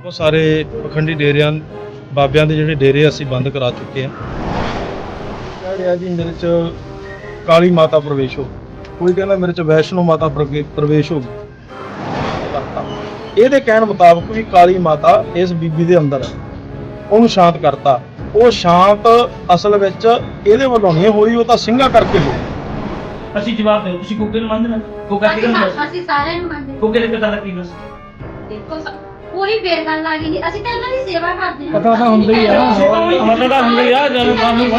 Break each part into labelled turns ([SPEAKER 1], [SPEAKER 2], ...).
[SPEAKER 1] ਬਹੁਤ ਸਾਰੇ ਪਖੰਡੀ ਡੇਰਿਆਂ ਬਾਬਿਆਂ ਦੇ ਜਿਹੜੇ ਡੇਰੇ ਅਸੀਂ ਬੰਦ ਕਰਾ ਚੁੱਕੇ ਹਾਂ। ਕਹਿ ਰਿਹਾ ਜੀ ਮੇਰੇ 'ਚ ਕਾਲੀ ਮਾਤਾ ਪ੍ਰਵੇਸ਼ ਹੋ, ਕੋਈ ਕਹਿੰਦਾ ਮੇਰੇ 'ਚ ਵੈਸ਼ਨੋ ਮਾਤਾ ਪ੍ਰਵੇਸ਼ ਹੋ ਗਈ। ਇਹਦੇ ਕਹਿਣ ਮੁਤਾਬਕ ਵੀ ਕਾਲੀ ਮਾਤਾ ਇਸ ਬੀਬੀ ਦੇ ਅੰਦਰ ਹੈ, ਉਹਨੂੰ ਸ਼ਾਂਤ ਕਰਤਾ। ਉਹ ਸ਼ਾਂਤ ਅਸਲ ਵਿੱਚ ਇਹਦੇ ਵੱਲੋਂ ਨਹੀਂ ਹੋਈ, ਉਹ ਤਾਂ ਸਿੰਘਾਂ ਕਰਕੇ ਹੋਈ।
[SPEAKER 2] ਅਸੀਂ ਜਵਾਬ ਦਿਓ, ਤੁਸੀਂ ਗੁੱਗੇ ਨੂੰ ਮੰਨਦੇ ਨਾ? ਗੁੱਗਾ ਕਿਹਨੂੰ ਮੰਨਦੇ?
[SPEAKER 3] ਅਸੀਂ ਸਾਰਿਆਂ ਨੂੰ ਮੰਨਦੇ।
[SPEAKER 2] ਗੁੱਗੇ ਦੇ ਪਿਤਾ ਦਾ ਕੀ ਨਾਮ?
[SPEAKER 3] ਦੇਖੋ ਕੋਈ ਫੇਰ ਗੱਲ ਆ ਗਈ, ਅਸੀਂ ਤਾਂ ਇਹਨਾਂ ਦੀ ਸੇਵਾ ਕਰਦੇ ਹਾਂ।
[SPEAKER 4] ਪਤਾ ਤਾਂ ਹੁੰਦਾ ਹੀ ਆ,
[SPEAKER 2] ਮਤਲਬ ਤਾਂ ਹੁੰਦਾ ਹੀ ਆ, ਜਦੋਂ ਸਾਨੂੰ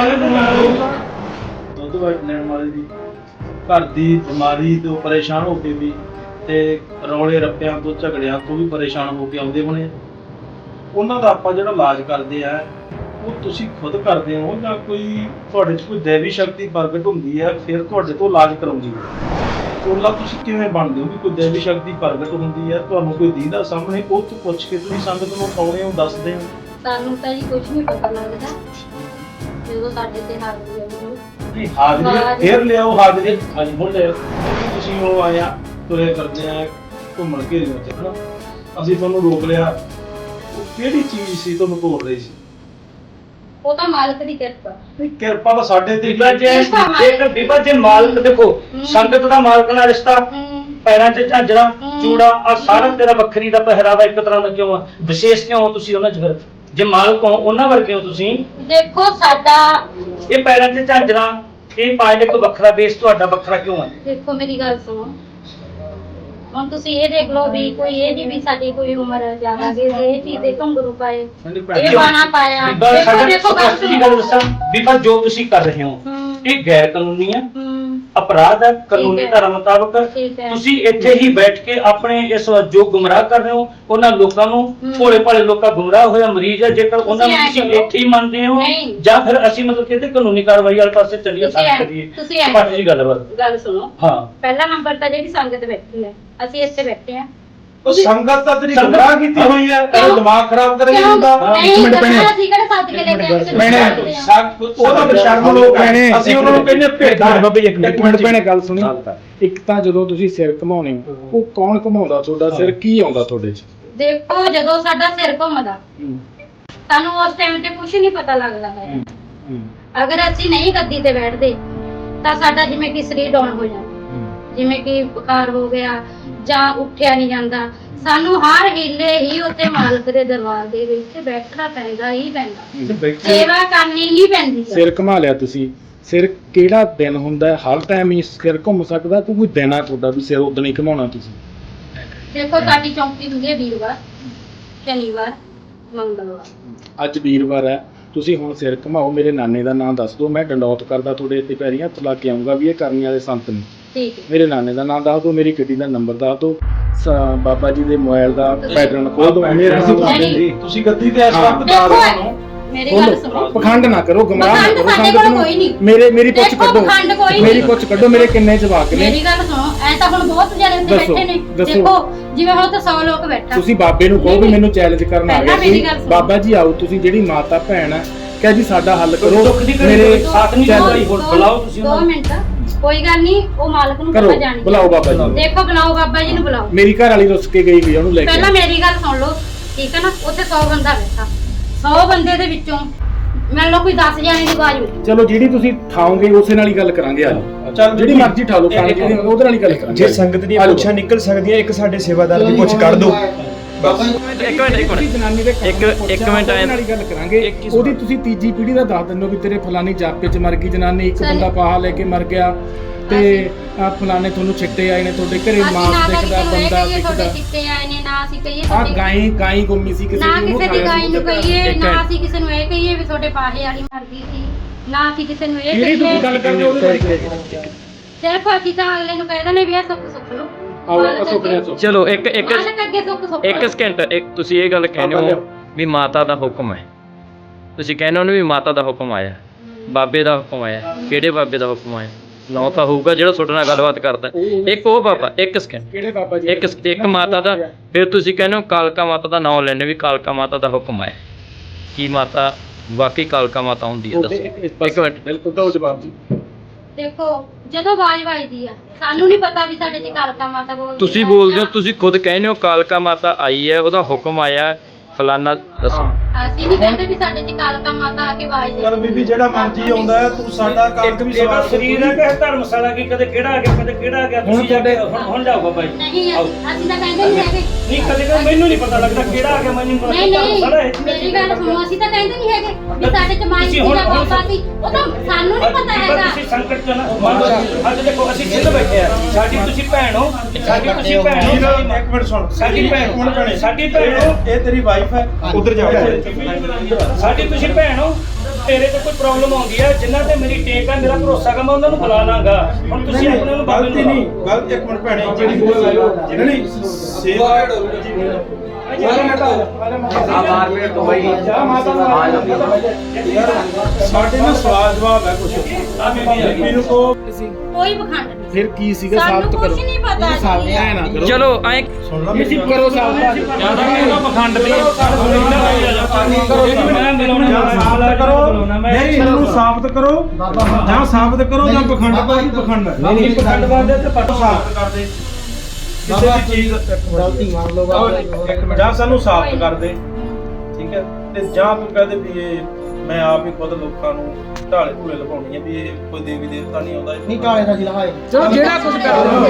[SPEAKER 1] ਦੁੱਧ ਲੈਣ ਵਾਲੇ ਦੀ ਘਰ ਦੀ ਬਿਮਾਰੀ ਤੋਂ ਪਰੇਸ਼ਾਨ ਹੋ ਕੇ ਵੀ ਤੇ ਰੌਲੇ ਰੱਪਿਆਂ ਤੋਂ ਝਗੜਿਆਂ ਤੋਂ ਵੀ ਪਰੇਸ਼ਾਨ ਹੋ ਕੇ ਆਉਂਦੇ ਹੋਣੇ, ਉਹਨਾਂ ਦਾ ਆਪਾਂ ਜਿਹੜਾ ਇਲਾਜ ਕਰਦੇ ਆ ਉਹ ਤੁਸੀਂ ਖੁਦ ਕਰਦੇ ਹੋ ਜਾਂ ਕੋਈ ਤੁਹਾਡੇ 'ਚ ਕੋਈ ਦੇਵੀ ਸ਼ਕਤੀ ਪ੍ਰਗਟ ਹੁੰਦੀ ਹੈ ਫਿਰ ਤੁਹਾਡੇ ਤੋਂ ਇਲਾਜ ਕਰਾਉਂਦੀ ਹੈ? ਚੋਲਾ ਤੁਸੀਂ ਕਿਵੇਂ ਬਣਦੇ ਹੋ ਵੀ ਕੋਈ ਦੇਵੀ ਸ਼ਕਤੀ ਪ੍ਰਗਟ ਹੁੰਦੀ ਹੈ, ਤੁਹਾਨੂੰ ਕੋਈ ਦੀਦਾ ਸਾਹਮਣੇ, ਉਹ ਤੋਂ ਪੁੱਛ ਕੇ ਤੁਸੀਂ ਸੰਗਤ ਨੂੰ ਪਾਉਣੇ ਹੋ, ਦੱਸਦੇ ਹੋ?
[SPEAKER 3] ਸਾਨੂੰ ਤਾਂ ਜੀ ਕੁਝ ਨਹੀਂ ਪਤਾ ਲੱਗਦਾ ਜਦੋਂ ਸਾਡੇ ਤੇ ਹਾਜ਼ਰੀ ਆਉਂਦੀ।
[SPEAKER 1] ਨਹੀਂ ਹਾਜ਼ਰੀ ਫੇਰ ਲਿਆਓ, ਹਾਜ਼ਰੀ ਹਾਂਜੀ ਹੁਣ ਲਿਆਓ। ਤੁਸੀਂ ਉਹ ਆਇਆ ਤੁਰੇ ਕਰਦੇ ਆ ਘੁੰਮਣ ਘੇਰੀਆਂ 'ਚ ਹਨਾ, ਅਸੀਂ ਤੁਹਾਨੂੰ ਰੋਕ ਲਿਆ, ਉਹ ਕਿਹੜੀ ਚੀਜ਼ ਸੀ ਤੁਹਾਨੂੰ ਤੋੜ ਰਹੀ ਸੀ?
[SPEAKER 3] ਉਹ ਤਾਂ ਮਾਲਕ ਦੀ ਕਿਰਪਾ।
[SPEAKER 1] ਨਹੀਂ ਕਿਰਪਾ ਤਾਂ ਸਾਡੇ ਤੇ
[SPEAKER 2] ਬੀਬਾ ਜੇ ਮਾਲਕ ਦੇਖੋ, ਸੰਗਤ ਦਾ ਮਾਲਕ ਨਾਲ ਰਿਸ਼ਤਾ, ਪੈਰਾਂ 'ਚ ਝਾਂਜਰਾਂ, ਚੂੜਾ ਆ ਸਾਰਾ ਤੇਰਾ ਵੱਖਰੀ ਦਾ ਪਹਿਰਾਵਾ ਇੱਕ ਤਰ੍ਹਾਂ ਦਾ ਕਿਉਂ ਆ? ਵਿਸ਼ੇਸ਼ ਕਿਉਂ ਹੋ ਤੁਸੀਂ ਉਹਨਾਂ 'ਚ? ਫਿਰ ਜੇ ਮਾਲਕ ਹੋ ਉਹਨਾਂ ਵਰਗੇ ਹੋ ਤੁਸੀਂ।
[SPEAKER 3] ਦੇਖੋ ਸਾਡਾ
[SPEAKER 2] ਇਹ ਪੈਰਾਂ 'ਚ ਝਾਂਜਰਾਂ, ਇਹ ਪਾਏ ਇੱਕ ਵੱਖਰਾ ਬੇਸ, ਤੁਹਾਡਾ ਵੱਖਰਾ ਕਿਉਂ ਹੈ?
[SPEAKER 3] ਦੇਖੋ ਮੇਰੀ ਗੱਲ ਸੁਣੋ, ਹੁਣ ਤੁਸੀਂ ਇਹ ਦੇਖ ਲਓ ਵੀ ਕੋਈ ਇਹ ਨਹੀਂ ਵੀ ਸਾਡੀ ਕੋਈ ਉਮਰ ਜ਼ਿਆਦਾ ਵੀ ਇਹ ਚੀਜ਼ ਦੇ ਘੁੰਗਰੂ ਪਾਏ, ਇਹ ਬਾਣਾ ਪਾਇਆ। ਦੇਖੋ
[SPEAKER 2] ਗੱਲ ਦੱਸਾਂ ਬੀਬਾ, ਜੋ ਤੁਸੀਂ ਕਰ ਰਹੇ ਹੋ ਇਹ ਗੈਰ ਕਾਨੂੰਨੀ ਹੈ, ਅਪਰਾਧ ਹੈ ਕਾਨੂੰਨੀ ਧਾਰਾ ਮੁਤਾਬਕ। ਤੁਸੀਂ ਇੱਥੇ ਹੀ ਬੈਠ ਕੇ ਆਪਣੇ ਇਸ ਜੋ ਗੁੰਮਰਾਹ ਕਰ ਰਹੇ ਹੋ ਉਹਨਾਂ ਲੋਕਾਂ ਨੂੰ, ਭੋਲੇ ਭਾਲੇ ਲੋਕਾਂ ਗੁੰਮਰਾਹ ਹੋਇਆ ਮਰੀਜ਼ ਹੈ, ਜੇਕਰ ਉਹਨਾਂ ਨੂੰ ਤੁਸੀਂ ਇੱਥੇ ਹੀ ਮੰਨਦੇ ਹੋ ਜਾਂ ਫਿਰ ਅਸੀਂ ਮਤਲਬ ਕਿ ਇਹਦੇ ਕਾਨੂੰਨੀ ਕਾਰਵਾਈ ਵਾਲੇ ਪਾਸੇ ਚੱਲੀਏ ਤਾਂ ਕਰੀਏ। ਪਾਜੀ ਜੀ
[SPEAKER 3] ਗੱਲ ਸੁਣੋ,
[SPEAKER 2] ਹਾਂ
[SPEAKER 3] ਪਹਿਲਾ ਨੰਬਰ ਤਾਂ ਜਿਹੜੀ ਸੰਗਤ ਬੈਠੀ ਹੈ, ਅਸੀਂ ਇੱਥੇ ਬੈਠੇ ਆ।
[SPEAKER 1] ਉਹ ਸੰਗਤ ਤਾਂ ਤੇਰੀ ਗੁੰਮਰਾਹ ਕੀਤੀ ਹੋਈ ਹੈ, ਤੇਰਾ ਦਿਮਾਗ ਖਰਾਬ ਕਰ ਰਹੀ ਹੁੰਦਾ।
[SPEAKER 3] ਇੱਕ ਮਿੰਟ ਪੈਣੇ, ਅਸੀਂ ਕਿਹੜੇ ਸੱਦ ਕੇ ਲੈ ਕੇ
[SPEAKER 1] ਉਹ ਤਾਂ ਬੇਸ਼ਰਮ ਲੋਕ ਨੇ, ਅਸੀਂ ਉਹਨਾਂ ਨੂੰ ਕਹਿੰਦੇ ਭੇਡਾਂ।
[SPEAKER 4] ਇੱਕ ਮਿੰਟ ਭੈਣੇ ਗੱਲ ਸੁਣੀ। ਇੱਕ ਤਾਂ ਜਦੋਂ ਤੁਸੀਂ ਸਿਰ ਘਮਾਉਣੇ ਹੋ, ਉਹ ਕੌਣ ਘਮਾਉਂਦਾ? ਤੁਹਾਡਾ ਸਿਰ ਕੀ ਆਉਂਦਾ ਤੁਹਾਡੇ 'ਚ?
[SPEAKER 3] ਦੇਖੋ ਜਦੋਂ ਸਾਡਾ ਸਿਰ ਘੁੰਮਦਾ ਸਾਨੂੰ ਉਸ ਟਾਈਮ ਤੇ ਕੁਝ ਨਹੀਂ ਪਤਾ ਲੱਗਦਾ ਹੈ। ਅਗਰ ਅਸੀਂ ਨਹੀਂ ਗੱਦੀ ਤੇ ਬੈਠਦੇ ਤਾਂ ਸਾਡਾ ਜਿਵੇਂ ਕਿ ਸਰੀਰ ਡਾਊਨ ਹੋ ਜਾਂਦਾ, ਜਿਵੇਂ ਕਿ ਬੁਖਾਰ ਹੋ ਗਿਆ ਜਾਂ ਉੱਠਿਆ ਨਹੀਂ ਜਾਂਦਾ। ਸਾਨੂੰ ਹਰ ਹੀਲੇ ਹੀ ਉੱਤੇ ਮਾਲਕ ਦੇ ਦਰਬਾਰ ਦੇ ਵਿੱਚ ਬੈਠਣਾ ਪੈਂਦਾ ਹੀ ਪੈਂਦਾ, ਸੇਵਾ ਕਰਨੀ ਹੀ ਪੈਂਦੀ ਹੈ।
[SPEAKER 4] ਸਿਰ ਘੁਮਾ ਲਿਆ ਤੁਸੀਂ, ਸਿਰ ਕਿਹੜਾ ਦਿਨ ਹੁੰਦਾ? ਹਰ ਟਾਈਮ ਹੀ ਸਿਰ ਘੁੰਮ ਸਕਦਾ? ਕੋਈ ਦਿਨ ਆ ਤੁਹਾਡਾ ਵੀ ਸਿਰ ਉਦੋਂ ਹੀ ਘੁਮਾਉਣਾ ਤੁਸੀਂ?
[SPEAKER 3] ਦੇਖੋ ਸਾਡੀ ਚੌਂਕੀ ਹੁੰਦੀ ਹੈ ਵੀਰਵਾਰ, ਸ਼ਨੀਵਾਰ, ਮੰਗਲਵਾਰ।
[SPEAKER 4] ਅੱਜ ਵੀਰਵਾਰ ਹੈ, ਤੁਸੀਂ ਹੁਣ ਸਿਰ ਘੁਮਾਓ। ਮੇਰੇ ਨਾਨੇ ਦਾ ਨਾਮ ਦੱਸ ਦਿਓ, ਮੈਂ ਡੰਡੌਤ ਕਰਦਾ ਤੁਹਾਡੇ ਇੱਥੇ ਪੈਰੀਂ ਹੱਥ ਲਾ ਕੇ ਆਊਂਗਾ ਵੀ ਇਹ ਕਰਨੀ ਵਾਲੇ ਸੰਤ ਨੇ।
[SPEAKER 3] ਠੀਕ ਹੈ।
[SPEAKER 4] ਮੇਰੇ ਨਾਨੇ ਦਾ ਨਾਮ ਦੱਸ ਦਿਓ, ਮੇਰੀ ਗੱਡੀ ਦਾ ਨੰਬਰ ਦੱਸ ਦਿਓ, ਬਾਬਾ ਜੀ ਦੇ ਮੋਬਾਈਲ ਦਾ ਪੈਟਰਨ ਖੋਲ ਦਿਓ।
[SPEAKER 1] ਤੁਸੀਂ ਗੱਦੀ ਤੇ ਇਸ ਵਕਤ
[SPEAKER 3] ਦੇਖੋ ਮੇਰੀ ਗੱਲ ਸੁਣੋ,
[SPEAKER 4] ਪਖੰਡ ਨਾ ਕਰੋ, ਗੁੰਮਰਾਹ ਨਾ ਕਰੋ
[SPEAKER 3] ਸਾਡੇ ਕੋਲ ਕੋਈ ਨਹੀਂ।
[SPEAKER 4] ਮੇਰੀ ਪੁੱਛ ਕੱਢੋ, ਮੇਰੀ ਪੁੱਛ ਕੱਢੋ, ਮੇਰੇ ਕਿੰਨੇ ਜਵਾਕ ਨੇ?
[SPEAKER 3] ਮੇਰੀ ਗੱਲ ਸੁਣੋ, ਐ ਤਾਂ ਹੁਣ ਬਹੁਤ ਜਣੇ ਉੱਥੇ ਬੈਠੇ ਨੇ। ਦੇਖੋ ਜਿਵੇਂ ਹੁਣ ਤਾਂ 100 ਲੋਕ ਬੈਠਾ,
[SPEAKER 4] ਤੁਸੀਂ ਬਾਬੇ ਨੂੰ ਕਹੋ ਵੀ ਮੈਨੂੰ ਚੈਲੰਜ ਕਰਨ ਆ ਗਿਆ ਬਾਬਾ ਜੀ, ਆਓ ਤੁਸੀਂ ਜਿਹੜੀ ਮਾਤਾ ਭੈਣ ਹੈ, ਕਿਹਾ ਜੀ ਸਾਡਾ ਹੱਲ ਕਰੋ। ਮੇਰੇ
[SPEAKER 2] ਸਾਥ ਨਹੀਂ ਕੋਈ ਹੁਣ ਬੁਲਾਓ ਤੁਸੀਂ
[SPEAKER 3] 2 ਮਿੰਟ, ਕੋਈ ਗੱਲ ਨਹੀਂ, ਉਹ ਮਾਲਕ ਨੂੰ
[SPEAKER 4] ਕਰੋ,
[SPEAKER 3] ਪਤਾ ਜਾਣੀ।
[SPEAKER 4] ਬੁਲਾਓ ਬਾਬਾ ਜੀ।
[SPEAKER 3] ਦੇਖੋ ਬੁਲਾਓ ਬਾਬਾ ਜੀ ਨੂੰ, ਬੁਲਾਓ।
[SPEAKER 4] ਮੇਰੀ ਘਰ ਵਾਲੀ ਰੁੱਸ ਕੇ ਗਈ ਹੋਈ, ਉਹਨੂੰ ਲੈ ਕੇ
[SPEAKER 3] ਪਹਿਲਾਂ ਮੇਰੀ ਗੱਲ ਸੁਣ ਲਓ, ਠੀਕ ਹੈ ਨਾ? ਉੱਥੇ 100 ਬੰਦਾ ਬੈਠਾ, 100 ਬੰਦੇ ਦੇ ਵਿੱਚੋਂ ਮੰਨ ਲਓ ਕੋਈ 10 ਜਣੇ ਦੀ ਆਵਾਜ਼ ਹੋਈ।
[SPEAKER 4] ਚਲੋ ਜਿਹੜੀ ਤੁਸੀਂ ਠਾਓਗੇ ਉਸੇ ਨਾਲ ਹੀ ਗੱਲ ਕਰਾਂਗੇ। ਆ ਜਾਓ, ਜਿਹੜੀ ਮਰਜ਼ੀ ਠਾ ਲਓ, ਉਹਦੇ ਨਾਲ ਹੀ ਗੱਲ ਕਰਾਂਗੇ।
[SPEAKER 5] ਜੇ ਸੰਗਤ ਦੀਆਂ ਪੁੱਛਾਂ ਨਿਕਲ ਸਕਦੀਆਂ, ਇੱਕ ਸਾਡੇ ਸੇਵਾਦਾਰ ਦੀ ਪੁੱਛ ਕੱਢ ਦਿਓ।
[SPEAKER 4] ਇੱਕ ਮਿੰਟ ਨਾਲ ਹੀ ਗੱਲ ਕਰਾਂਗੇ। ਉਹਦੀ ਤੁਸੀਂ ਤੀਜੀ ਪੀੜ੍ਹੀ ਦਾ ਦੱਸ ਦਿੰਦੇ ਹੋ ਵੀ ਤੇਰੇ ਫਲਾਨੀ ਜਾਪੇ 'ਚ ਮਰ ਗਈ ਜਨਾਨੀ, ਇੱਕ ਬੰਦਾ ਪਾਹਾ ਲੈ ਕੇ ਮਰ ਗਿਆ, ਤੇ ਆ ਫਲਾਣੇ ਤੁਹਾਨੂੰ ਛਿੱਟੇ ਆਏ ਨੇ, ਤੁਹਾਡੇ ਘਰੇ ਮਾਸ ਦਿਖਦਾ, ਬੰਦਾ ਦਿਖਦਾ।
[SPEAKER 3] ਛਿੱਟੇ ਆਏ ਨੇ ਨਾ ਅਸੀਂ ਕਹੀਏ
[SPEAKER 4] ਆ ਗਾਈ ਗੁੰਮੀ ਸੀ ਕਿਸੇ
[SPEAKER 3] ਨਾ
[SPEAKER 4] ਨੂੰ,
[SPEAKER 3] ਕਿਸੇ ਦੀ ਗਾਈ ਨੂੰ ਕਹੀਏ, ਨਾ ਅਸੀਂ ਕਿਸੇ ਨੂੰ ਇਹ ਕਹੀਏ ਵੀ ਤੁਹਾਡੇ ਪਾਹੇ ਵਾਲੀ ਮਰ ਗਈ ਸੀ, ਨਾ ਅਸੀਂ ਕਿਸੇ ਨੂੰ ਇਹ ਕਹੀਏ।
[SPEAKER 4] ਗੱਲ ਕਰਦੇ ਉਹਦੇ ਬਾਰੇ
[SPEAKER 3] ਸਿਰਫ ਅਸੀਂ ਤਾਂ ਅਗਲੇ ਨੂੰ ਕਹਿ ਦਿੰਦੇ ਵੀ ਇਹ ਸੁੱਖ ਸੁੱਖ ਲਓ।
[SPEAKER 6] ਚਲੋ ਇੱਕ
[SPEAKER 3] ਇੱਕ
[SPEAKER 6] ਸਕਿੰਟ, ਇੱਕ ਤੁਸੀਂ ਇਹ ਗੱਲ ਕਹਿੰਦੇ ਹੋ ਵੀ ਮਾਤਾ ਦਾ ਹੁਕਮ ਹੈ, ਤੁਸੀਂ ਕਹਿੰਦੇ ਹੋ ਵੀ ਮਾਤਾ ਦਾ ਹੁਕਮ ਆਇਆ, ਬਾਬੇ ਦਾ ਹੁਕਮ ਆਇਆ। ਕਿਹੜੇ ਬਾਬੇ ਦਾ ਹੁਕਮ ਆਇਆ? ਨਾ ਤਾਂ ਹੋਊਗਾ ਜਿਹੜਾ ਤੁਹਾਡੇ ਨਾਲ ਗੱਲਬਾਤ ਕਰਦਾ, ਇੱਕ ਉਹ ਬਾਬਾ। ਇੱਕ ਸਕਿੰਟ,
[SPEAKER 4] ਕਿਹੜੇ ਬਾਬਾ ਜੀ?
[SPEAKER 6] ਇੱਕ ਮਾਤਾ ਦਾ। ਫਿਰ ਤੁਸੀਂ ਕਹਿੰਦੇ ਹੋ ਕਾਲਕਾ ਮਾਤਾ ਦਾ ਨਾਮ ਲੈਣੇ ਵੀ ਕਾਲਕਾ ਮਾਤਾ ਦਾ ਹੁਕਮ ਆਇਆ। ਕੀ ਮਾਤਾ ਵਾਕਈ ਕਾਲਕਾ ਮਾਤਾ ਹੁੰਦੀ ਹੈ? ਦੱਸੋ ਇੱਕ ਮਿੰਟ।
[SPEAKER 4] ਬਿਲਕੁਲ ਤਾਂ ਜਵਾਬ ਜੀ।
[SPEAKER 3] ਦੇਖੋ ਜਦੋਂ ਆਵਾਜ਼ ਵੱਜਦੀ ਆ ਸਾਨੂੰ ਨਹੀਂ ਪਤਾ ਵੀ ਸਾਡੇ ਚ ਕਾਲਕਾ ਮਾਤਾ ਬੋਲਦੀ।
[SPEAKER 6] ਤੁਸੀਂ ਬੋਲਦੇ ਹੋ, ਤੁਸੀਂ ਖੁਦ ਕਹਿੰਦੇ ਹੋ ਕਾਲਕਾ ਮਾਤਾ ਆਈ ਹੈ, ਉਹਦਾ ਹੁਕਮ ਆਇਆ, ਫਲਾਨਾ ਦੱਸੋ।
[SPEAKER 3] ਅਸੀਂ ਨਹੀਂ ਕਹਿੰਦੇ ਵੀ ਸਾਡੇ ਚ ਕਾਲਕਾ ਮਾਤਾ ਆ ਕੇ ਆਵਾਜ਼ ਦੇ
[SPEAKER 1] ਚੱਲ ਬੀਬੀ ਜਿਹੜਾ ਮਰਜੀ ਆਉਂਦਾ ਹੈ, ਤੂੰ ਸਾਡਾ ਕੰਮ ਵੀ
[SPEAKER 2] ਇਹਦਾ
[SPEAKER 1] ਸਵਾਰ
[SPEAKER 2] ਸਰੀਰ ਹੈ ਕਿ ਧਰਮਸ਼ਾਲਾ ਕੀ ਕਦੇ ਕਿਹੜਾ ਆ ਗਿਆ ਕਦੇ ਕਿਹੜਾ ਆ ਗਿਆ ਤੁਸੀਂ ਜਾ ਕੇ ਹੁਣ ਜਾਓ ਬਾਬਾ ਜੀ।
[SPEAKER 3] ਨਹੀਂ ਅਸੀਂ ਤਾਂ ਕਹਿੰਦੇ ਨਹੀਂ ਹੈਗੇ।
[SPEAKER 2] ਨਹੀਂ ਕਦੇ ਕਦੇ ਮੈਨੂੰ ਨਹੀਂ ਪਤਾ ਲੱਗਦਾ ਕਿਹੜਾ ਆ ਗਿਆ ਮੈਨੂੰ ਨਹੀਂ ਪਤਾ
[SPEAKER 3] ਨਹੀਂ
[SPEAKER 2] ਧਰਮਸ਼ਾਲਾ ਹੈ।
[SPEAKER 3] ਮੇਰੀ ਗੱਲ ਸੁਣੋ, ਅਸੀਂ ਤਾਂ ਕਹਿੰਦੇ ਨਹੀਂ ਹੈਗੇ ਵੀ ਸਾਡੇ ਚ ਮਾਈ ਸੀ ਜਾਂ ਬਾਬਾ ਸੀ, ਉਹ ਤਾਂ ਸਾਨੂੰ ਨਹੀਂ ਪਤਾ
[SPEAKER 2] ਬੀਬਾ
[SPEAKER 3] ਹੈਗਾ।
[SPEAKER 2] ਤੁਸੀਂ ਸੰਕਟ ਚ ਨਾ ਅੱਜ ਦੇਖੋ ਅਸੀਂ ਸਿੱਧ ਬੈਠੇ ਆ, ਸਾਡੀ ਤੁਸੀਂ ਭੈਣ ਹੋ, ਸਾਡੀ ਤੁਸੀਂ ਭੈਣ ਹੋ,
[SPEAKER 1] ਇੱਕ ਮਿੰਟ ਸੁਣ,
[SPEAKER 2] ਸਾਡੀ ਭੈਣ
[SPEAKER 1] ਹੁਣ ਭੈਣੇ,
[SPEAKER 2] ਸਾਡੀ ਭੈਣ ਹੋ,
[SPEAKER 1] ਇਹ ਤੇਰੀ ਵਾਈਫ ਹੈ, ਉਧਰ ਜਾ
[SPEAKER 2] ਸਾਡੀ ਤੁਸੀਂ ਭੈਣ ਹੋ। ਤੇਰੇ ਤੇ ਕੋਈ ਪ੍ਰੋਬਲਮ ਆਉਂਦੀ ਹੈ ਜਿਨ੍ਹਾਂ ਤੇ ਮੇਰੀ ਟੇਕ ਹੈ, ਮੇਰਾ ਭਰੋਸਾ ਹੈ, ਮੈਂ ਉਹਨਾਂ ਨੂੰ ਬੁਲਾ ਲਾਂਗਾ। ਹੁਣ ਤੁਸੀਂ ਆਪਣੇ ਨੂੰ ਬਾਬੇ
[SPEAKER 1] ਗਲਤੀ
[SPEAKER 2] ਨੂੰ
[SPEAKER 1] ਨਹੀਂ, ਗਲਤ ਇੱਕ ਮਿੰਟ ਭੈਣੇ, ਜਿਹੜੀ ਨਹੀਂ ਸੇਵਾ ਸਾਡੇ ਨਾਲ ਸਵਾਲ ਜਵਾਬ ਹੈ ਕੁਛ ਬੀਬੀ ਨੂੰ ਕੋ
[SPEAKER 3] ਕੋਈ ਪਖੰਡ ਨਹੀਂ।
[SPEAKER 4] ਫਿਰ ਕੀ ਸੀਗਾ
[SPEAKER 3] ਸਾਨੂੰ
[SPEAKER 4] ਸਾਬਤ ਕਰੋ।
[SPEAKER 3] ਕੁਛ ਨਹੀਂ ਪਤਾ ਜੀ।
[SPEAKER 4] ਸਾਬਤ ਐ ਨਾ ਕਰੋ।
[SPEAKER 6] ਚਲੋ ਐਂ
[SPEAKER 1] ਸੁਣ ਲਾ
[SPEAKER 4] ਤੁਸੀਂ ਕਰੋ ਸਾਬਤ।
[SPEAKER 2] ਜਿਆਦਾ ਕਿਹੜਾ ਪਖੰਡ ਦੀ ਮੈਂ ਮਿਲਾਉਣਾ
[SPEAKER 1] ਸਾਬਤ ਕਰੋ, ਨਹੀਂ ਸਾਨੂੰ ਸਾਬਤ ਕਰੋ, ਜਾਂ ਸਾਬਤ ਕਰੋ ਜਾਂ ਪਖੰਡ ਕੋਈ ਪਖੰਡ
[SPEAKER 2] ਨਹੀਂ ਪਖੰਡ ਬਾਦੇ ਤੇ ਪਟੋ
[SPEAKER 1] ਸਾਬਤ ਕਰ ਦੇ ਕਿਸੇ ਵੀ ਚੀਜ਼ ਗਲਤੀ ਮੰਨ ਲਓ ਜਾਂ ਸਾਨੂੰ ਸਾਬਤ ਕਰ ਦੇ, ਠੀਕ ਹੈ, ਤੇ ਜਾਂ ਤੂੰ ਕਹਦੇ ਵੀ ਇਹ ਮੈਂ ਆਪ ਹੀ ਖੁਦ ਲੋਕਾਂ ਨੂੰ ਢਾਲੇ ਢੂਲੇ ਲਗਾਉਣੀ ਹੈ ਵੀ ਇਹ ਕੋਈ ਦੇਵੀ ਦੇਵਤਾ ਨਹੀਂ ਆਉਂਦਾ। ਨਹੀਂ ਢਾਲੇ ਦਾ ਜਿਲਹਾਏ
[SPEAKER 4] ਚਲੋ ਜਿਹੜਾ ਕੁਝ ਕਰੋ।